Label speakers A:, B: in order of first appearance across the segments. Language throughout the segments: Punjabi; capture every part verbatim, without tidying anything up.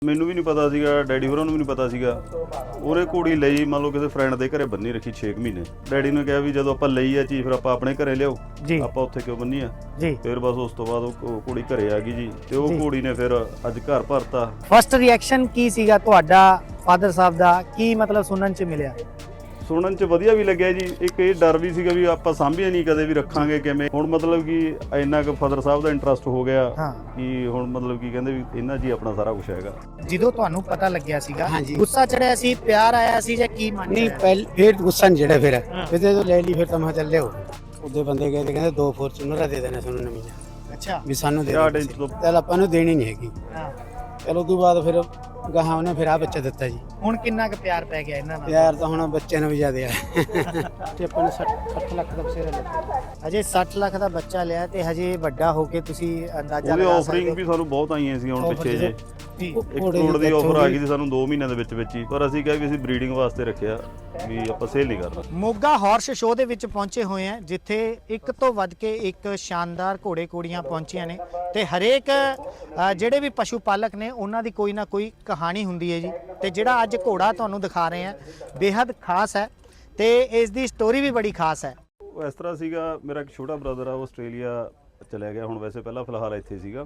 A: ਮੈਨੂੰ ਵੀ ਨਹੀਂ ਪਤਾ ਸੀਗਾ, ਡੈਡੀ ਹੋਰਾਂ ਨੂੰ ਵੀ ਨਹੀਂ ਪਤਾ ਸੀਗਾ। ਉਹਨੇ ਘੋੜੀ ਲਈ ਮੰਨ ਲਓ ਕਿਸੇ ਫਰੈਂਡ ਦੇ ਘਰੇ ਬੰਨੀ ਰੱਖੀ ਛੇ ਮਹੀਨੇ। ਡੈਡੀ ਨੇ ਕਿਹਾ ਵੀ ਜਦੋਂ ਆਪਾਂ ਲਈ ਆ ਚੀਜ਼ ਫਿਰ ਆਪਾਂ ਆਪਣੇ ਘਰੇ ਲਿਆਓ, ਆਪਾਂ ਉੱਥੇ ਕਿਉਂ ਬੰਨੀ ਆ ਜੀ। ਫਿਰ ਬਸ ਉਸ ਤੋਂ ਬਾਅਦ ਉਹ ਘੋੜੀ ਘਰੇ ਆ ਗਈ ਜੀ, ਤੇ ਉਹ ਘੋੜੀ ਨੇ ਫਿਰ ਅੱਜ ਘਰ ਭਰਤਾ।
B: ਫਸਟ ਰਿਐਕਸ਼ਨ ਕੀ ਸੀਗਾ ਤੁਹਾਡਾ ਫਾਦਰ ਸਾਹਿਬ ਦਾ, ਕੀ ਮਤਲਬ ਸੁਣਨ ਚ ਮਿਲਿਆ?
A: ਸੁਣਨ ਚ ਵਧੀਆ ਵੀ ਲੱਗਿਆ ਜੀ। ਇੱਕ ਇਹ ਡਰ ਵੀ ਸੀਗਾ ਵੀ ਆਪਾਂ ਸਾਂਭਿਆ ਨਹੀਂ ਕਦੇ ਵੀ ਰੱਖਾਂਗੇ ਕਿਵੇਂ। ਹੁਣ ਮਤਲਬ ਕਿ ਇੰਨਾ ਕੁ ਫਾਦਰ ਸਾਹਿਬ ਦਾ ਇੰਟਰਸਟ ਹੋ ਗਿਆ ਕਿ ਹੁਣ ਮਤਲਬ ਕਿ ਕਹਿੰਦੇ ਵੀ ਇਹਨਾਂ ਜੀ ਆਪਣਾ ਸਾਰਾ ਕੁਝ ਹੈਗਾ।
B: ਜਦੋਂ ਤੁਹਾਨੂੰ ਪਤਾ ਲੱਗਿਆ ਸੀਗਾ ਗੁੱਸਾ ਚੜਿਆ ਸੀ, ਪਿਆਰ ਆਇਆ ਸੀ ਜਾਂ ਕੀ ਮਨ?
C: ਨਹੀਂ ਪਹਿਲ ਫਿਰ ਗੁੱਸਾ ਨਹੀਂ ਚੜਿਆ। ਫਿਰ ਫਿਰ ਜਦੋਂ ਲੈ ਲਈ ਫਿਰ ਤਾਂ ਮੈਂ ਚੱਲੇ ਹੋ ਉਹਦੇ ਬੰਦੇ ਗਏ ਤੇ ਕਹਿੰਦੇ ਦੋ ਫੋਰਚੂਨਰ ਦੇ ਦੇਣੇ ਸਾਨੂੰ ਨਵੀਆਂ।
B: ਅੱਛਾ ਵੀ
C: ਸਾਨੂੰ ਦੇ ਦੇ, ਚੱਲ ਆਪਾਂ ਨੂੰ ਦੇਣੀ ਨਹੀਂ ਹੈਗੀ। ਚਲੋ ਉਸ ਤੋਂ ਬਾਅਦ ਫਿਰ ਗਾਹਾਂ ਉਹਨੇ ਫਿਰ ਆ ਬੱਚਾ ਦਿੱਤਾ ਜੀ।
B: ਹੁਣ ਕਿੰਨਾ ਕੁ ਪਿਆਰ ਪੈ ਗਿਆ ਇਹਨਾਂ ਨਾਲ?
C: ਪਿਆਰ ਤਾਂ ਹੁਣ ਬੱਚਿਆਂ ਨੂੰ ਵੀ ਜ਼ਿਆਦਾ ਆ। ਤੇ ਆਪਾਂ ਨੇ ਸੱਠ ਲੱਖ ਦਾ ਬਸੇਰਾ ਲਿਆ।
B: ਅਜੇ ਸੱਠ ਲੱਖ ਦਾ ਬੱਚਾ ਲਿਆ ਤੇ ਹਜੇ ਵੱਡਾ ਹੋ ਕੇ ਤੁਸੀਂ ਅੰਦਾਜ਼ਾ ਲਗਾ ਸਕਦੇ ਹੋ।
A: ਉਹਦੀ ਆਫਰਿੰਗ ਵੀ ਸਾਨੂੰ ਬਹੁਤ ਆਈਆਂ ਸੀ ਹੁਣ ਪਿੱਛੇ ਜੇ ਇੱਕ ਕਰੋੜ ਦੀ ਆਫਰ ਆ ਗਈ ਸੀ ਸਾਨੂੰ ਦੋ ਮਹੀਨਿਆਂ ਦੇ ਵਿੱਚ ਵਿੱਚ ਹੀ, ਪਰ ਅਸੀਂ ਕਿਹਾ ਵੀ ਅਸੀਂ ਬਰੀਡਿੰਗ ਵਾਸਤੇ ਰੱਖਿਆ ਵੀ ਆਪਾਂ ਸੇਲ ਨਹੀਂ ਕਰਨਾ।
B: ਮੋਗਾ ਹਾਰਸ ਸ਼ੋਅ ਦੇ ਵਿੱਚ ਪਹੁੰਚੇ ਹੋਏ ਆ ਜਿੱਥੇ ਇੱਕ ਤੋਂ ਵੱਧ ਕੇ ਇੱਕ ਸ਼ਾਨਦਾਰ ਘੋੜੇ ਘੋੜੀਆਂ ਪਹੁੰਚੀਆਂ ਨੇ ਤੇ ਹਰੇਕ ਜਿਹੜੇ ਵੀ ਪਸ਼ੂ ਪਾਲਕ ਨੇ ਉਹਨਾਂ ਦੀ ਕੋਈ ਨਾ ਕੋਈ ਕਹਾਣੀ ਹੁੰਦੀ ਹੈ ਜੀ। ਤੇ ਜਿਹੜਾ ਅੱਜ ਘੋੜਾ ਤੁਹਾਨੂੰ ਦਿਖਾ ਰਹੇ ਆ ਬੇहद ਖਾਸ ਹੈ ਤੇ ਇਸ ਦੀ ਸਟੋਰੀ ਵੀ ਬੜੀ ਖਾਸ ਹੈ।
A: ਉਹ ਇਸ ਤਰ੍ਹਾਂ ਸੀਗਾ, ਮੇਰਾ ਇੱਕ ਛੋਟਾ ਬ੍ਰਦਰ ਆ, ਉਹ ਆਸਟ੍ਰੇਲੀਆ ਚਲਿਆ ਗਿਆ ਹੁਣ, ਵੈਸੇ ਪਹਿਲਾਂ ਫਿਲਹਾਲ ਇੱਥੇ ਸੀਗਾ,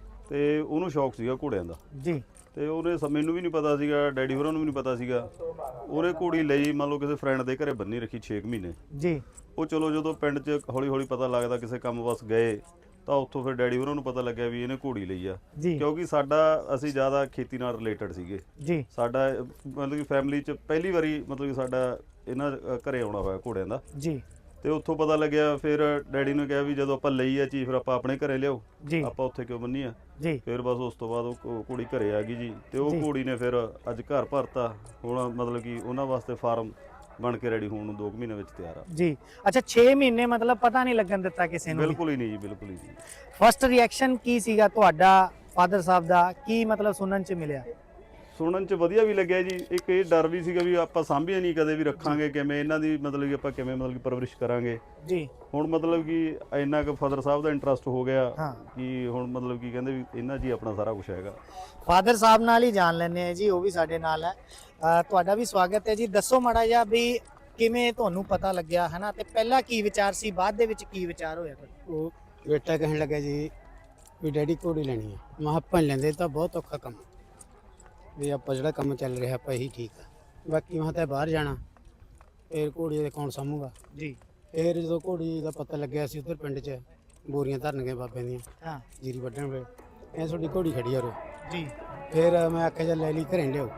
A: ਤੇ ਉਹਨੂੰ ਸ਼ੌਕ ਸੀਗਾ ਘੋੜਿਆਂ ਦਾ ਜੀ। ਤੇ ਉਹਨੇ ਮੈਨੂੰ ਵੀ ਨਹੀਂ ਪਤਾ ਸੀਗਾ, ਡੈਡੀ ਹੋਰਾਂ ਨੂੰ ਵੀ ਨਹੀਂ ਪਤਾ ਸੀਗਾ। ਉਹਨੇ ਘੋੜੀ ਲਈ ਮੰਨ ਲਓ ਕਿਸੇ ਫਰੈਂਡ ਦੇ ਘਰੇ ਬੰਨੀ ਰੱਖੀ ਛੇ ਮਹੀਨੇ ਜੀ। ਉਹ ਚਲੋ ਜਦੋਂ ਪਿੰਡ 'ਚ ਹੌਲੀ ਹੌਲੀ ਪਤਾ ਲੱਗਦਾ ਕਿਸੇ ਕੰਮ ਵਾਸ ਗਏ ਤਾਂ ਉੱਥੋਂ ਫਿਰ ਡੈਡੀ ਹੋਰਾਂ ਨੂੰ ਪਤਾ ਲੱਗਿਆ ਵੀ ਇਹਨੇ ਘੋੜੀ ਲਈ ਆ, ਕਿਉਂਕਿ ਸਾਡਾ ਅਸੀਂ ਜ਼ਿਆਦਾ ਖੇਤੀ ਨਾਲ ਰਿਲੇਟਡ ਸੀਗੇ ਜੀ। ਸਾਡਾ ਮਤਲਬ ਕਿ ਫੈਮਿਲੀ 'ਚ ਪਹਿਲੀ ਵਾਰੀ ਮਤਲਬ ਕਿ ਸਾਡਾ ਇਹਨਾਂ ਘਰੇ ਆਉਣਾ ਹੋਇਆ ਘੋੜਿਆਂ ਦਾ ਜੀ। ਤੇ ਉੱਥੋਂ ਪਤਾ ਲੱਗਿਆ, ਫਿਰ ਡੈਡੀ ਨੇ ਕਿਹਾ ਵੀ ਜਦੋਂ ਆਪਾਂ ਲਈ ਆ ਚੀਜ਼ ਫਿਰ ਆਪਾਂ ਆਪਣੇ ਘਰੇ ਲਿਆਓ, ਆਪਾਂ ਉੱਥੇ ਕਿਉਂ ਬੰਨੀ ਆ ਜੀ। ਫਿਰ ਬਸ ਉਸ ਤੋਂ ਬਾਅਦ ਉਹ ਘੋੜੀ ਘਰੇ ਆ ਗਈ ਜੀ, ਤੇ ਉਹ ਘੋੜੀ ਨੇ ਫਿਰ ਅੱਜ ਘਰ ਭਰਤਾ। ਹੁਣ ਮਤਲਬ ਕਿ ਉਹਨਾਂ ਵਾਸਤੇ ਫਾਰਮ ਬਣ ਕੇ ਰੈਡੀ ਹੋਣ ਨੂੰ ਦੋ ਮਹੀਨੇ ਵਿੱਚ ਤਿਆਰ ਆ ਜੀ।
B: ਅੱਛਾ ਛੇ ਮਹੀਨੇ ਮਤਲਬ ਪਤਾ ਨਹੀਂ ਲੱਗਣ ਦਿੱਤਾ ਕਿਸੇ ਨੂੰ?
A: ਬਿਲਕੁਲ ਹੀ ਨਹੀਂ ਜੀ, ਬਿਲਕੁਲ ਹੀ ਨਹੀਂ।
B: ਫਸਟ ਰਿਐਕਸ਼ਨ ਕੀ ਸੀਗਾ ਤੁਹਾਡਾ ਫਾਦਰ ਸਾਹਿਬ ਦਾ, ਕੀ ਮਤਲਬ ਸੁਣਨ ਚ ਮਿਲਿਆ?
A: ਸੁਣਨ ਚ ਵਧੀਆ ਵੀ ਲੱਗਿਆ ਜੀ। ਇੱਕ ਇਹ ਡਰ ਵੀ ਸੀਗਾ ਵੀ ਆਪਾਂ ਸਾਂਭਿਆ ਨਹੀਂ ਕਦੇ ਵੀ ਰੱਖਾਂਗੇ ਕਿਵੇਂ, ਇਹਨਾਂ ਦੀ ਮਤਲਬ ਕਿ ਆਪਾਂ ਕਿਵੇਂ ਮਤਲਬ ਕਿ ਪਰਵਰਿਸ਼ ਕਰਾਂਗੇ ਜੀ। ਹੁਣ ਮਤਲਬ ਕਿ ਇੰਨਾ ਕੁ ਫਾਦਰ ਸਾਹਿਬ ਦਾ ਇੰਟਰਸਟ ਹੋ ਗਿਆ ਕਿ ਹੁਣ ਮਤਲਬ ਕਿ ਕਹਿੰਦੇ ਵੀ ਇਹਨਾਂ ਜੀ ਆਪਣਾ ਸਾਰਾ ਕੁਝ ਹੈਗਾ।
B: ਫਾਦਰ ਸਾਹਿਬ ਨਾਲ ਹੀ ਜਾਣ ਲੈਂਦੇ ਆ ਜੀ, ਉਹ ਵੀ ਸਾਡੇ ਨਾਲ ਹੈ। ਤੁਹਾਡਾ ਵੀ ਸਵਾਗਤ ਹੈ ਜੀ। ਦੱਸੋ ਮਾੜਾ ਜਿਹਾ ਵੀ ਕਿਵੇਂ ਤੁਹਾਨੂੰ ਪਤਾ ਲੱਗਿਆ ਹੈ ਨਾ, ਤੇ ਪਹਿਲਾਂ ਕੀ ਵਿਚਾਰ ਸੀ, ਬਾਅਦ ਦੇ ਵਿੱਚ ਕੀ ਵਿਚਾਰ ਹੋਇਆ?
C: ਉਹ ਬੇਟਾ ਕਹਿਣ ਲੱਗਾ ਜੀ ਵੀ ਡੈਡੀ ਘੋੜੀ ਲੈਣੀ ਆ। ਮੈਂ ਆਪਾਂ ਲੈਂਦੇ ਤਾਂ ਬਹੁਤ ਔਖਾ ਕੰਮ ਵੀ, ਆਪਾਂ ਜਿਹੜਾ ਕੰਮ ਚੱਲ ਰਿਹਾ ਆਪਾਂ ਇਹੀ ਠੀਕ ਆ, ਬਾਕੀ ਮੈਂ ਤਾਂ ਬਾਹਰ ਜਾਣਾ ਫਿਰ ਘੋੜੀ ਦੇ ਕੌਣ ਸਾਂਭੂਗਾ ਜੀ। ਫਿਰ ਜਦੋਂ ਘੋੜੀ ਦਾ ਪਤਾ ਲੱਗਿਆ ਸੀ ਉੱਧਰ ਪਿੰਡ 'ਚ ਬੋਰੀਆਂ ਧਰਨ ਗਏ ਬਾਬਿਆਂ ਦੀਆਂ, ਹਾਂ ਜੀਰੀ ਵੱਢਣ ਵੇ ਇਹ ਤੁਹਾਡੀ ਘੋੜੀ ਖੜੀ ਆ ਰੋ ਜੀ। ਫਿਰ ਮੈਂ ਆਖਿਆ ਚੱਲ ਲੈ ਲਈ ਘਰੇ ਲਿਆਓ,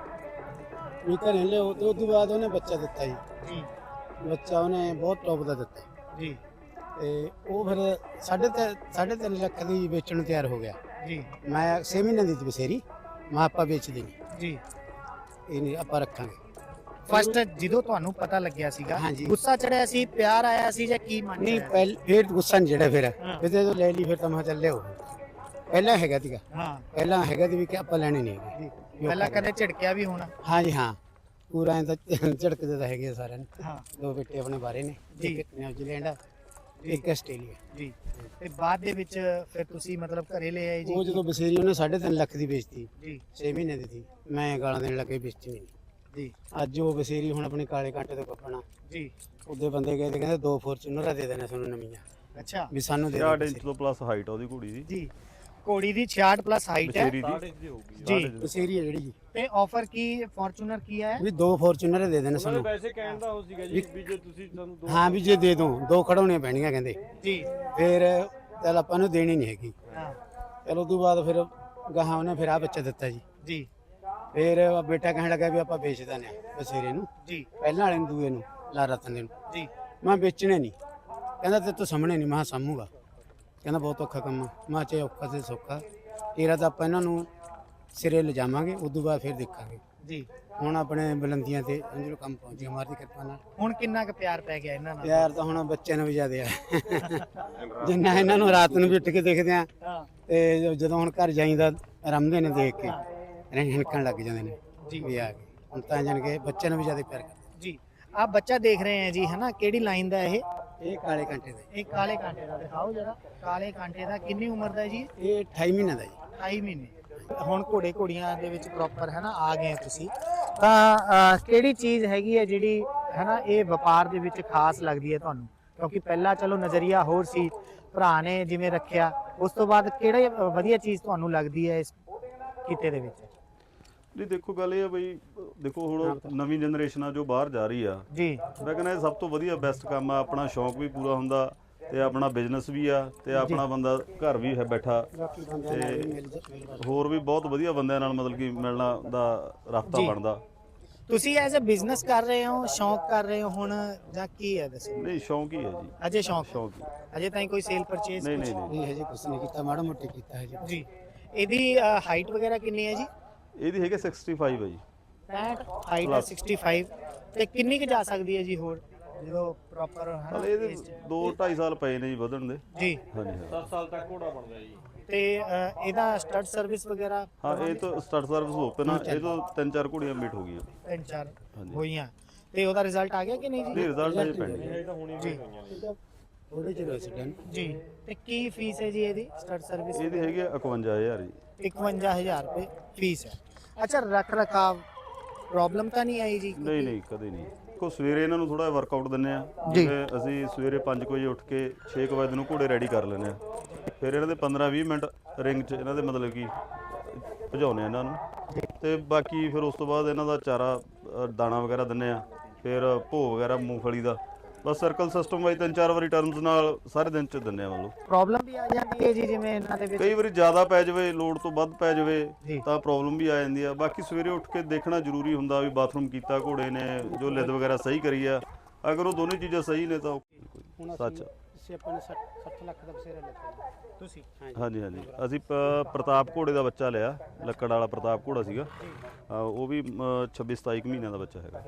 C: ਵੀ ਘਰੇ ਲਿਆਓ। ਤੇ ਉਸ ਤੋਂ ਬਾਅਦ ਉਹਨੇ ਬੱਚਾ ਦਿੱਤਾ ਜੀ ਜੀ। ਬੱਚਾ ਉਹਨੇ ਬਹੁਤ ਟੌਪ ਦਾ ਦਿੱਤਾ ਜੀ। ਤੇ ਉਹ ਫਿਰ ਸਾਢੇ ਤਿੰਨ ਸਾਢੇ ਤਿੰਨ ਲੱਖ ਦੀ ਵੇਚਣ ਨੂੰ ਤਿਆਰ ਹੋ ਗਿਆ ਜੀ। ਮੈਂ ਛੇ ਮਹੀਨੇ ਦੀ ਬਸੇਰੀ ਮੈਂ ਆਪਾਂ ਵੇਚ ਦੇਣੀ ਜੀ, ਇਹ ਨਹੀਂ ਆਪਾਂ ਰੱਖਾਂਗੇ।
B: ਫਸਟ ਜਦੋਂ ਤੁਹਾਨੂੰ ਪਤਾ ਲੱਗਿਆ ਸੀਗਾ ਗੁੱਸਾ ਚੜਿਆ ਸੀ, ਪਿਆਰ ਆਇਆ ਸੀ ਜਾਂ ਕੀ ਮਨ?
C: ਨਹੀਂ ਪਹਿਲ ਫਿਰ ਗੁੱਸਾ ਨਹੀਂ ਚੜਿਆ। ਫਿਰ ਫਿਰ ਜਦੋਂ ਲੈ ਲਈ ਫਿਰ ਤਾਂ ਮੈਂ ਚੱਲੇ ਹੋ ਪਹਿਲਾਂ ਹੈਗਾ ਸੀਗਾ। ਹਾਂ ਪਹਿਲਾਂ ਹੈਗਾ ਸੀ ਵੀ ਕਿ ਆਪਾਂ ਲੈਣੀ ਨਹੀਂ ਹੈਗੀ।
B: ਪਹਿਲਾਂ ਕਦੇ ਝਿੜਕਿਆ ਵੀ ਹੋਣਾ?
C: ਹਾਂ ਜੀ ਹਾਂ, ਪੂਰਾ ਐਂ ਤਾਂ ਝਿੜਕਦੇ ਤਾਂ ਹੈਗੇ ਸਾਰਿਆਂ ਨੂੰ। ਹਾਂ ਦੋ ਬੇਟੇ ਆਪਣੇ ਬਾਰੇ ਨੇ, ਇੱਕ ਨਿਊਜ਼ੀਲੈਂਡ ਇੱਕ ਆਸਟ੍ਰੇਲੀਆ ਜੀ।
B: ਤੇ ਬਾਅਦ ਦੇ ਵਿੱਚ ਫਿਰ ਤੁਸੀਂ ਮਤਲਬ ਘਰੇ ਲੈ ਆਏ ਜੀ?
C: ਉਹ ਜਦੋਂ ਬਸੇਰੀ ਉਹਨੇ ਸਾਢੇ ਤਿੰਨ ਲੱਖ ਦੀ ਵੇਚਤੀ ਜੀ, ਛੇ ਮਹੀਨੇ ਦੀ ਸੀ। ਮੈਂ ਗਾਲਾਂ ਦੇਣ ਲੱਗੇ ਵੇਚੀ ਨਹੀਂ ਜੀ। ਅੱਜ ਉਹ ਬਸੇਰੀ ਹੁਣ ਆਪਣੇ ਕਾਲੇ ਕਾਂਟੇ ਤੋਂ ਕੱਪਣਾ ਜੀ। ਉਹਦੇ ਬੰਦੇ ਗਏ ਤੇ ਕਹਿੰਦੇ ਦੋ ਫੋਰਚੂਨਰ ਦੇ ਦੇਣੇ ਸਾਨੂੰ ਨਵੀਆਂ। ਅੱਛਾ ਵੀ ਸਾਨੂੰ ਦੇ
A: ਛਿਆਹਠ ਇੰਚ ਤੋਂ ਪਲੱਸ ਹਾਈਟ ਆ ਉਹਦੀ ਘੋੜੀ ਦੀ ਜੀ।
B: ਘੋੜੀ ਦੀ ਛਿਆਹਠ ਪਲੱਸ ਹਾਈਟ ਹੈ ਜੀ।
C: ਬਸੇਰੀ ਹੈ ਜਿਹੜੀ ਜੀ।
B: ਤੇ ਆਫਰ ਕੀ ਫੋਰਚੂਨਰ ਕੀ ਹੈ?
C: ਵੀ ਦੋ ਫੋਰਚੂਨਰ ਦੇ ਦੇਣੇ ਸਾਨੂੰ।
D: ਵੈਸੇ ਕਹਿਣ ਦਾ ਹੋ ਸੀਗਾ ਜੀ ਵੀ ਜੇ ਤੁਸੀਂ ਸਾਨੂੰ ਦੋ,
C: ਹਾਂ ਵੀ ਜੇ ਦੇ ਦੋ ਦੋ ਖੜਾਉਣੀਆਂ ਪੈਣੀਆਂ ਕਹਿੰਦੇ ਜੀ। ਫਿਰ ਚੱਲ ਆਪਾਂ ਨੂੰ ਦੇਣੀ ਨਹੀਂ ਹੈਗੀ। ਹਾਂ ਚਲੋ ਉਸ ਤੋਂ ਬਾਅਦ ਫਿਰ ਗਾਹਾਂ ਉਹਨੇ ਫਿਰ ਆ ਬੱਚਾ ਦਿੱਤਾ ਜੀ ਜੀ। ਫਿਰ ਬੇਟਾ ਕਹਿਣ ਲੱਗਾ ਵੀ ਆਪਾਂ ਵੇਚ ਦਿੰਦੇ ਆ ਬਸੇਰੇ ਨੂੰ ਜੀ, ਪਹਿਲਾਂ ਵਾਲੇ ਨੂੰ ਦੂਏ ਨੂੰ ਲਾ ਰਤਨ ਦੇ ਨੂੰ ਜੀ। ਮੈਂ ਵੇਚਣੇ ਨਹੀਂ, ਕਹਿੰਦਾ ਤੇ ਤੂੰ ਸਾਹਮਣੇ ਨਹੀਂ। ਮੈਂ ਸਾਂਭੂਗਾ, ਕਹਿੰਦਾ ਬਹੁਤ ਔਖਾ ਕੰਮ ਆ। ਮੈਂ ਚਾਹੇ ਔਖਾ ਤੇ ਸੌਖਾ ਤੇਰਾ ਤਾਂ ਆਪਾਂ ਇਹਨਾਂ ਨੂੰ ਸਿਰੇ ਲਿਜਾਵਾਂਗੇ, ਉਸ ਤੋਂ ਬਾਅਦ ਫਿਰ ਦੇਖਾਂਗੇ ਜੀ। ਹੁਣ ਆਪਣੇ ਬੁਲੰਦੀਆਂ ਤੇ ਅੰਜਲੋ ਕੰਮ ਪਹੁੰਚ ਗਿਆ ਮਾਰ ਦੀ ਕਿਰਪਾ ਨਾਲ।
B: ਹੁਣ ਕਿੰਨਾ ਕੁ ਪਿਆਰ ਪੈ ਗਿਆ ਇਹਨਾਂ ਨਾਲ?
C: ਪਿਆਰ ਤਾਂ ਹੁਣ ਬੱਚਿਆਂ ਨੂੰ ਵੀ ਜ਼ਿਆਦਾ ਆ। ਜਿੰਨਾ ਇਹਨਾਂ ਨੂੰ ਰਾਤ ਨੂੰ ਵੀ ਉੱਠ ਕੇ ਦੇਖਦੇ ਆ ਤੇ ਜਦੋਂ ਹੁਣ ਘਰ ਜਾਈਦਾ ਰਮਦੇ ਨੇ ਦੇਖ ਕੇ ਹਣਕਣ ਲੱਗ ਜਾਂਦੇ ਨੇ ਜੀ ਵੀ ਆ ਗਏ। ਹੁਣ ਤਾਂ ਜਾਣ ਕੇ ਬੱਚਿਆਂ ਨੂੰ ਵੀ ਜ਼ਿਆਦਾ ਪਿਆਰ ਕਰਦੇ ਜੀ।
B: ਆਪ ਬੱਚਾ ਦੇਖ ਰਹੇ ਆ ਜੀ ਹੈ ਨਾ, ਕਿਹੜੀ ਲਾਈਨ ਦਾ ਇਹ?
C: ਇਹ ਕਾਲੇ ਕਾਂਟੇ ਦਾ।
B: ਇਹ ਕਾਲੇ ਕਾਂਟੇ ਦਾ ਦਿਖਾਓ ਜਰਾ। ਕਾਲੇ ਕਾਂਟੇ ਦਾ ਕਿੰਨੀ ਉਮਰ ਦਾ ਜੀ?
C: ਇਹ ਅਠਾਈ ਮਹੀਨੇ ਦਾ ਜੀ।
B: ਅਠਾਈ ਮਹੀਨੇ ਹੁਣ ਘੋੜੇ ਘੋੜੀਆਂ ਦੇ ਵਿੱਚ ਪ੍ਰੋਪਰ ਹੈ ਨਾ ਆ ਗਏ ਹੋ ਤੁਸੀਂ, ਤਾਂ ਅਹ, ਕਿਹੜੀ ਚੀਜ਼ ਹੈਗੀ ਹੈ ਜਿਹੜੀ ਹੈ ਨਾ ਇਹ ਵਪਾਰ ਦੇ ਵਿੱਚ ਖਾਸ ਲੱਗਦੀ ਹੈ ਤੁਹਾਨੂੰ? ਕਿਉਂਕਿ ਪਹਿਲਾਂ ਚਲੋ ਨਜ਼ਰੀਆ ਹੋਰ ਸੀ, ਭਰਾ ਨੇ ਜਿਵੇਂ ਰੱਖਿਆ, ਉਸ ਤੋਂ ਬਾਅਦ ਕਿਹੜੀ ਵਧੀਆ ਚੀਜ਼ ਤੁਹਾਨੂੰ ਲੱਗਦੀ ਹੈ ਇਸ ਕਿੱਤੇ ਦੇ ਵਿੱਚ?
A: ਜੀ ਦੇਖੋ ਗੱਲ ਇਹ ਆ ਬਈ, ਦੇਖੋ ਹੁਣ ਨਵੀਂ ਜਨਰੇਸ਼ਨ ਆ ਜੋ ਬਾਹਰ ਜਾ ਰਹੀ ਆ
B: ਜੀ,
A: ਮੈਂ ਕਹਿੰਦਾ ਇਹ ਸਭ ਤੋਂ ਵਧੀਆ ਬੈਸਟ ਕੰਮ ਆ। ਆਪਣਾ ਸ਼ੌਂਕ ਵੀ ਪੂਰਾ ਹੁੰਦਾ ਤੇ ਆਪਣਾ ਬਿਜ਼ਨਸ ਵੀ ਆ ਤੇ ਆਪਣਾ ਬੰਦਾ ਘਰ ਵੀ ਹੈ ਬੈਠਾ ਤੇ ਹੋਰ ਵੀ ਬਹੁਤ ਵਧੀਆ ਬੰਦਿਆਂ ਨਾਲ ਮਤਲਬ ਕਿ ਮਿਲਣਾ ਦਾ ਰਸਤਾ ਬਣਦਾ।
B: ਤੁਸੀਂ ਐਜ਼ ਅ ਬਿਜ਼ਨਸ ਕਰ ਰਹੇ ਹੋ, ਸ਼ੌਂਕ ਕਰ ਰਹੇ ਹੋ ਹੁਣ, ਜਾਂ ਕੀ ਹੈ ਦੱਸੋ?
A: ਨਹੀਂ ਸ਼ੌਂਕ ਹੀ ਹੈ ਜੀ,
B: ਅਜੇ ਸ਼ੌਂਕ
A: ਸ਼ੌਂਕ ਹੀ।
B: ਅਜੇ ਤਾਈਂ ਕੋਈ ਸੇਲ ਪਰਚੇਸ?
A: ਨਹੀਂ ਨਹੀਂ ਨਹੀਂ
C: ਨਹੀਂ ਹਜੇ ਕੁਛ ਨਹੀਂ ਕੀਤਾ, ਮਾੜਾ ਮੋਟਾ ਕੀਤਾ ਹਜੇ।
B: ਜੀ, ਇਹਦੀ ਹਾਈਟ ਵਗੈਰਾ ਕਿੰਨੀ ਹੈ ਜੀ?
A: ਇਹਦੀ ਹੈਗੇ ਪੈਂਸਠ ਹੈ ਜੀ।
B: ਪੈਂਹਠ ਹਾਈਟ ਹੈ, ਪੈਂਸਠ, ਤੇ ਕਿੰਨੀ ਕੁ ਜਾ ਸਕਦੀ ਹੈ ਜੀ ਹੋਰ ਜਦੋਂ ਪ੍ਰੋਪਰ ਹੈ
A: ਹਲੇ ਇਹਦੇ ਦੋ ਢਾਈ ਸਾਲ ਪਏ ਨੇ ਜੀ ਵਧਣ ਦੇ।
B: ਜੀ,
A: ਹਾਂਜੀ ਹਾਂ।
D: ਦਸ ਸਾਲ ਤੱਕ ਘੋੜਾ ਬਣਦਾ ਜੀ।
B: ਤੇ ਅਹ, ਇਹਦਾ ਸਟੱਡ ਸਰਵਿਸ ਵਗੈਰਾ
A: ਹਾਂ ਇਹ ਤਾਂ ਸਟਾਰਟ ਸਰਵਿਸ ਓਪਨ ਆ, ਇਹ ਤੋਂ ਤਿੰਨ ਚਾਰ ਘੋੜੀਆਂ ਮੀਟ ਹੋ ਗਈਆਂ।
B: ਤਿੰਨ ਚਾਰ
A: ਹਾਂਜੀ।
B: ਹੋਈਆਂ, ਤੇ ਉਹਦਾ ਰਿਜ਼ਲਟ ਆ ਗਿਆ ਕਿ ਨਹੀਂ
A: ਨਹੀਂ
B: ਜੀ?
A: ਰਿਜ਼ਲਟ ਅਜੇ ਪੈਂਡਿੰਗ ਹੈ।
D: ਇਹ ਤਾਂ ਹੁਣੀ
B: ਜੀ
D: ਹੋਈਆਂ ਨੇ।
C: ਥੋੜੇ ਜਿਹੇ ਰੈਸੀਡੈਂਟ
B: ਜੀ, ਤੇ ਕੀ ਫੀਸ ਹੈ ਜੀ ਇਹਦੀ ਸਟੱਡ ਸਰਵਿਸ?
A: ਇਹਦੀ ਹੈਗੀ ਆ ਇਕਵੰਜਾ ਹਜ਼ਾਰ ਜੀ।
B: ਇਕਵੰਜਾ ਹਜ਼ਾਰ ਰੁਪਏ ਫੀਸ ਹੈ। ਅੱਛਾ, ਰੱਖ ਰਖਾਵ ਪ੍ਰੋਬਲਮ ਤਾਂ ਨਹੀਂ ਆਈ ਜੀ?
A: ਨਹੀਂ ਨਹੀਂ ਕਦੇ ਨਹੀਂ। ਕੋ ਸਵੇਰੇ ਇਹਨਾਂ ਨੂੰ ਥੋੜਾ ਵਰਕਆਊਟ ਦਿੰਨੇ ਆ,
B: ਜੀ।
A: ਜਿਵੇਂ ਅਸੀਂ ਸਵੇਰੇ ਪੰਜ ਵਜੇ ਉੱਠ ਕੇ ਛੇ ਕੁ ਵਜੇ ਨੂੰ ਘੋੜੇ ਰੈਡੀ ਕਰ ਲੈਂਦੇ ਆ, ਫਿਰ ਇਹਨਾਂ ਦੇ ਪੰਦਰਾਂ ਵੀਹ ਮਿੰਟ ਰਿੰਗ 'ਚ ਇਹਨਾਂ ਦੇ ਮਤਲਬ ਕਿ ਭਜਾਉਂਦੇ ਆ ਇਹਨਾਂ ਨੂੰ, ਤੇ ਬਾਕੀ ਫਿਰ ਉਸ ਤੋਂ ਬਾਅਦ ਇਹਨਾਂ ਦਾ ਚਾਰਾ ਅ, ਦਾਣਾ ਵਗੈਰਾ ਦਿੰਨੇ ਆ, ਫਿਰ ਭੋਗ ਵਗੈਰਾ ਮੂੰਗਫਲੀ ਦਾ, ਬਸ ਸਰਕਲ ਸਿਸਟਮ ਵਾਈ ਤਿੰਨ ਚਾਰ ਵਾਰੀ ਟਰਮਸ ਨਾਲ ਸਾਰੇ ਦਿਨ 'ਚ ਦਿੰਨੇ ਆ। ਮਤਲਬ
B: ਪ੍ਰੋਬਲਮ ਵੀ ਆ ਜਾਂਦੀ ਹੈ ਜੀ, ਜਿਵੇਂ ਇਹਨਾਂ ਦੇ ਵਿੱਚ
A: ਕਈ ਵਾਰੀ ਜ਼ਿਆਦਾ ਪੈ ਜਾਵੇ, ਲੋਡ ਤੋਂ ਵੱਧ ਪੈ ਜਾਵੇ
B: ਜੀ।
A: ਤਾਂ ਪ੍ਰੋਬਲਮ ਵੀ ਆ ਜਾਂਦੀ ਆ। ਬਾਕੀ ਸਵੇਰੇ ਉੱਠ ਕੇ ਦੇਖਣਾ ਜ਼ਰੂਰੀ ਹੁੰਦਾ ਵੀ ਬਾਥਰੂਮ ਕੀਤਾ ਘੋੜੇ ਨੇ, ਜੋ ਲਿੱਦ ਵਗੈਰਾ ਸਹੀ ਕਰੀ ਆ, ਅਗਰ ਉਹ ਦੋਨੇ ਚੀਜ਼ਾਂ ਸਹੀ ਨੇ ਤਾਂ
C: ਹੁਣ
A: ਸੱਚ।
C: ਅਸੀਂ ਆਪਾਂ ਨੇ ਸੱਠ ਲੱਖ ਦਾ ਬਸੇਰਾ ਲਿਆ
B: ਤੁਸੀਂ?
A: ਹਾਂਜੀ ਹਾਂਜੀ ਅਸੀਂ ਪ- ਪ੍ਰਤਾਪ ਘੋੜੇ ਦਾ ਬੱਚਾ ਲਿਆ, ਲੱਕੜ ਵਾਲਾ ਪ੍ਰਤਾਪ ਘੋੜਾ ਸੀਗਾ। ਹਾਂ, ਉਹ ਵੀ ਛੱਬੀ ਸਤਾਈ ਕੁ ਮਹੀਨਿਆਂ ਦਾ ਬੱਚਾ ਹੈਗਾ।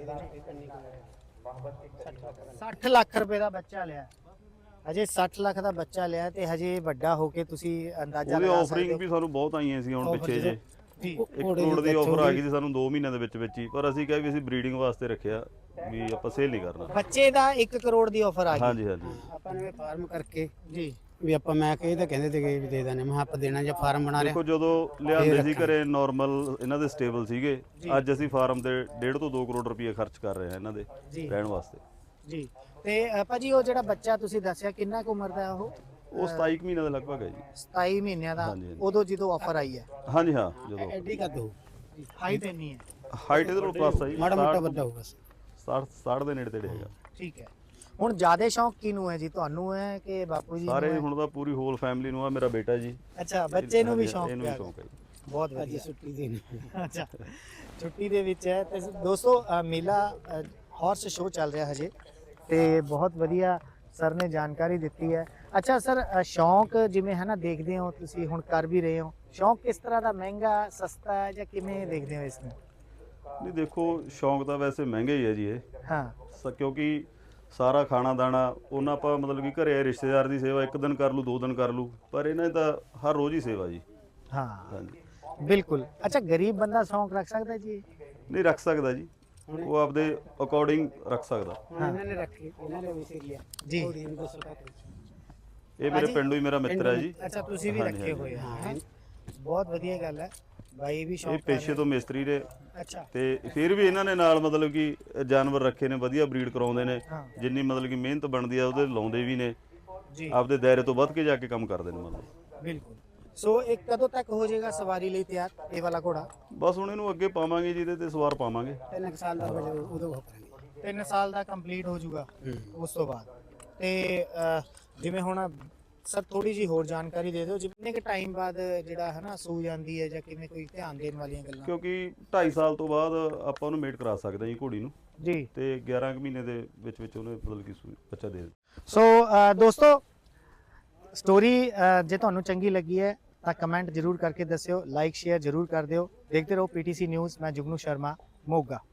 B: ਸੱਠ ਲੱਖ ਰੁਪਏ ਦਾ ਬੱਚਾ ਲਿਆ, ਹਜੇ ਸੱਠ ਲੱਖ ਦਾ ਬੱਚਾ ਲਿਆ, ਤੇ ਹਜੇ ਵੱਡਾ ਹੋ ਕੇ ਤੁਸੀਂ ਅੰਦਾਜ਼ਾ
A: ਉਹਦੀ
B: ਲਗਾ
A: ਆਫਰਿੰਗ
B: ਸਕਦੇ
A: ਵੀ ਸਾਨੂੰ ਬਹੁਤ ਆਈਆਂ ਸੀ ਹੁਣ
B: Offer
A: ਪਿੱਛੇ ਜੇ।
B: ਜੀ।
A: ਇੱਕ ਕਰੋੜ ਦੀ ਆਫਰ ਆ ਗਈ ਸੀ ਸਾਨੂੰ ਦੋ ਮਹੀਨਿਆਂ ਦੇ ਵਿੱਚ ਵਿੱਚ ਹੀ, ਪਰ ਅਸੀਂ ਕਿਹਾ ਵੀ ਅਸੀਂ ਬਰੀਡਿੰਗ ਵਾਸਤੇ ਰੱਖਿਆ, ਵੀ ਆਪਾਂ ਸੇਲ ਨਹੀਂ ਕਰਨਾ।
B: ਬੱਚੇ ਦਾ ਇੱਕ ਕਰੋੜ ਦੀ ਆਫਰ ਆ ਗਈ?
A: ਹਾਂਜੀ ਹਾਂਜੀ।
C: ਆਪਾਂ ਨੇ ਫਾਰਮ ਕਰਕੇ
B: ਜੀ,
C: ਵੀ ਆਪਾਂ ਮੈਂ ਕਹੇ ਤਾਂ ਕਹਿੰਦੇ ਤੇ ਵੀ ਦੇ ਦਾਨੇ, ਮੈਂ ਕਿਹਾ ਆਪਾਂ ਦੇਣਾ ਜਾਂ ਫਾਰਮ ਬਣਾ
A: ਦੇਖੋ
C: ਰਿਹਾ।
A: ਜਦੋਂ ਲਿਆਂਦੇ ਸੀ ਘਰੇ ਨਾਰਮਲ ਇਹਨਾਂ ਦੇ ਸਟੇਬਲ ਸੀਗੇ, ਅੱਜ ਅਸੀਂ ਫਾਰਮ ਤੇ ਡੇਢ ਤੋਂ ਦੋ ਕਰੋੜ ਰੁਪਏ ਖਰਚ ਕਰ ਰਹੇ ਹਾਂ ਇਹਨਾਂ ਦੇ
B: ਜੀ।
A: ਰਹਿਣ ਵਾਸਤੇ।
B: ਜੀ, ਤੇ ਅ, ਭਾਜੀ ਉਹ ਜਿਹੜਾ ਬੱਚਾ ਤੁਸੀਂ ਦੱਸਿਆ ਕਿੰਨਾ ਕੁ ਉਮਰ ਦਾ ਹੈ ਉਹ?
A: ਉਹ ਸਤਾਈ ਕੁ ਮਹੀਨਿਆਂ ਦਾ ਲਗਭਗ ਹੈ ਜੀ।
B: ਸਤਾਈ ਮਹੀਨਿਆਂ ਦਾ,
A: ਹਾਂਜੀ, ਹਾਂਜੀ।
B: ਉਦੋਂ ਜਦੋਂ ਆਫਰ ਆਈ ਹੈ?
A: ਹਾਂਜੀ ਹਾਂ। ਜਦੋਂ
C: ਐਡੀ ਕਰ ਦੋ,
B: ਹਾਈਟ ਇੰਨੀ ਹੈ?
A: ਹਾਈਟ ਇਹਦੇ ਤੋਂ ਪਲੱਸ ਆ ਜੀ,
C: ਮਾੜਾ ਮੋਟਾ ਵੱਡਾ ਹੋਊਗਾ।
A: ਸੱਠ ਸੱਠ ਦੇ ਨੇੜੇ ਤੇੜੇ ਹੈਗਾ।
B: ਠੀਕ ਹੈ। ਹੁਣ ਜ਼ਿਆਦਾ ਸ਼ੌਂਕ ਕਿਹਨੂੰ ਹੈ ਜੀ, ਤੁਹਾਨੂੰ ਹੈ ਕਿ ਬਾਪੂ ਜੀ ਨੂੰ
A: ਸਾਰੇ
B: ਹੈ?
A: ਹੁਣ ਤਾਂ ਪੂਰੀ ਹੋਲ ਫੈਮਿਲੀ ਨੂੰ ਆ, ਮੇਰਾ ਬੇਟਾ ਜੀ।
B: ਅੱਛਾ, ਬੱਚੇ ਨੂੰ ਵੀ
A: ਹਾਂਜੀ,
B: ਸ਼ੌਂਕ
A: ਇਹਨੂੰ ਵੀ
B: ਪਿਆ?
A: ਸ਼ੌਂਕ ਹੈ ਜੀ।
B: ਬਹੁਤ
C: ਅੱਜ
B: ਵਧੀਆ।
C: ਛੁੱਟੀ ਦੇਣੀ।
B: ਅੱਛਾ, ਛੁੱਟੀ ਦੇ ਵਿੱਚ ਹੈ। ਤੇ ਦੋਸਤੋ ਅ, ਮੇਲਾ ਹਾਰਸ ਸ਼ੋਅ ਚੱਲ ਰਿਹਾ ਹਜੇ, ਤੇ ਬਹੁਤ ਵਧੀਆ ਸਰ ਨੇ ਜਾਣਕਾਰੀ ਦਿੱਤੀ ਹੈ। ਅੱਛਾ ਸਰ, ਅ, ਸ਼ੌਂਕ ਜਿਵੇਂ ਹੈ ਨਾ, ਦੇਖਦੇ ਹੋ ਤੁਸੀਂ ਹੁਣ ਕਰ ਵੀ ਰਹੇ ਹੋ, ਸ਼ੌਂਕ ਕਿਸ ਤਰ੍ਹਾਂ ਦਾ, ਮਹਿੰਗਾ ਸਸਤਾ ਹੈ, ਜਾਂ ਕਿਵੇਂ ਦੇਖਦੇ ਹੋ ਇਸ ਨੂੰ?
A: ਨਹੀਂ ਦੇਖੋ ਸ਼ੌਂਕ ਤਾਂ ਵੈਸੇ ਮਹਿੰਗਾ ਹੀ ਹੈ ਜੀ ਇਹ,
B: ਹਾਂ
A: ਸ- ਕਿਉਂਕਿ ਸਾਰਾ ਖਾਣਾ ਦਾਣਾ ਉਹਨਾਂ ਆਪਾਂ ਮਤਲਬ ਕਿ ਘਰੇ ਰਿਸ਼ਤੇਦਾਰ ਦੀ ਸੇਵਾ ਇੱਕ ਦਿਨ ਕਰ ਲੂ ਦੋ ਦਿਨ ਕਰ ਲੂ, ਪਰ ਇਹਨਾਂ ਦੀ ਤਾਂ ਹਰ ਰੋਜ਼ ਹੀ ਸੇਵਾ ਜੀ।
B: ਹਾਂ,
A: ਹਾਂਜੀ
B: ਬਿਲਕੁਲ। ਅੱਛਾ, ਗਰੀਬ ਬੰਦਾ ਸ਼ੌਂਕ ਰੱਖ ਸਕਦਾ ਜੀ?
A: ਨਹੀਂ ਰੱਖ ਸਕਦਾ ਜੀ, ਉਹ ਆਪਦੇ ਅਕੋਰਡਿੰਗ ਰੱਖ ਸਕਦਾ।
C: ਹੁਣ ਇਹਨਾਂ ਨੇ ਰੱਖੀ, ਇਹਨਾਂ ਨੇ ਵੀ ਸੀ ਲਿਆ
B: ਜੀ।
C: ਘੋੜੀ ਨੂੰ ਦੱਸੋ ਕਾ
A: ਇਹ ਮੇਰੇ ਪਿੰਡੋਂ ਹੀ ਮੇਰਾ ਮਿੱਤਰ ਹੈ ਜੀ।
B: ਅੱਛਾ, ਤੁਸੀਂ ਵੀ
A: ਹਾਂਜੀ,
B: ਰੱਖੇ
A: ਹਾਂਜੀ।
B: ਹੋਏ ਆ, ਹੈਂ? ਬਹੁਤ ਵਧੀਆ ਗੱਲ ਹੈ, ਬਾਈ ਵੀ
A: ਇਹ
B: ਸ਼ੌਂਕ ਕਰ
A: ਪੇਸ਼ੇ
B: ਰਹੇ।
A: ਤੋਂ ਮਿਸਤਰੀ ਨੇ,
B: ਅੱਛਾ
A: ਤੇ ਫਿਰ ਵੀ ਇਹਨਾਂ ਨੇ ਨਾਲ ਮਤਲਬ ਕਿ ਜਾਨਵਰ ਰੱਖੇ ਨੇ, ਵਧੀਆ ਬਰੀਡ ਕਰਾਉਂਦੇ ਨੇ,
B: ਹਾਂ।
A: ਜਿੰਨੀ ਮਤਲਬ ਕਿ ਮਿਹਨਤ ਬਣਦੀ ਆ ਉਹਦੇ ਲਾਉਂਦੇ ਵੀ ਨੇ,
B: ਜੀ,
A: ਆਪਦੇ ਦਾਇਰੇ ਤੋਂ ਵੱਧ ਕੇ ਜਾ ਕੇ ਕੰਮ ਕਰਦੇ ਨੇ ਮਤਲਬ।
B: ਬਿਲਕੁਲ। ਸੋ ਇਹ ਕਦੋਂ ਤੱਕ ਹੋ ਜਾਏਗਾ ਸਵਾਰੀ ਲਈ ਤਿਆਰ, ਇਹ ਵਾਲਾ ਘੋੜਾ?
A: ਬਸ ਹੁਣ ਇਹਨੂੰ ਅੱਗੇ ਪਾਵਾਂਗੇ ਜੀ, ਇਹਦੇ ਤੇ ਸਵਾਰ ਪਾਵਾਂਗੇ।
C: ਤਿੰਨ ਕੁ ਸਾਲ ਦਾ ਹੋ ਜਾਊ ਉਦੋਂ ਉਹ ਕਰਾਂਗੇ।
B: ਤਿੰਨ ਸਾਲ ਦਾ ਕੰਪਲੀਟ ਹੋ ਜਾਊਗਾ ਉਸ ਤੋਂ ਬਾਅਦ। ਤੇ ਅਹ, ਜਿਵੇਂ ਹੁਣ ਸਰ ਥੋੜੀ ਜੀ ਹੋਰ ਜਾਣਕਾਰੀ ਦੇ ਦਿਓ, ਜਿੰਨੇ ਕੁ ਟਾਈਮ ਬਾਅਦ ਜਿਹੜਾ ਹੈ ਨਾ ਸੂ ਜਾਂਦੀ ਹੈ, ਜਾਂ ਕਿਵੇਂ, ਕੋਈ ਧਿਆਨ ਦੇਣ ਵਾਲੀਆਂ ਗੱਲਾਂ?
A: ਕਿਉਂਕਿ ਢਾਈ ਸਾਲ ਤੋਂ ਬਾਅਦ ਆਪਾਂ ਉਹਨੂੰ ਮੇਟ ਕਰਾ ਸਕਦੇ ਹਾਂ ਜੀ ਘੋੜੀ ਨੂੰ,
B: ਜੀ।
A: ਤੇ ਗਿਆਰਾਂ ਕੁ ਮਹੀਨੇ ਦੇ ਵਿੱਚ ਵਿੱਚ ਉਹਨੇ ਮਤਲਬ ਕਿ ਸੂ- ਬੱਚਾ ਦੇ ਦੇ।
B: ਸੋ ਅਹ, ਦੋਸਤੋ, ਸਟੋਰੀ ਜੇ ਤੁਹਾਨੂੰ ਚੰਗੀ ਲੱਗੀ ਹੈ ਤਾਂ ਕਮੈਂਟ ਜ਼ਰੂਰ ਕਰਕੇ ਦੱਸਿਓ, ਲਾਈਕ ਸ਼ੇਅਰ ਜ਼ਰੂਰ ਕਰ ਦਿਓ। ਦੇਖਦੇ ਰਹੋ ਪੀਟੀਸੀ ਨਿਊਜ਼। ਮੈਂ ਜੁਗਨੂ ਸ਼ਰਮਾ, ਮੋਗਾ।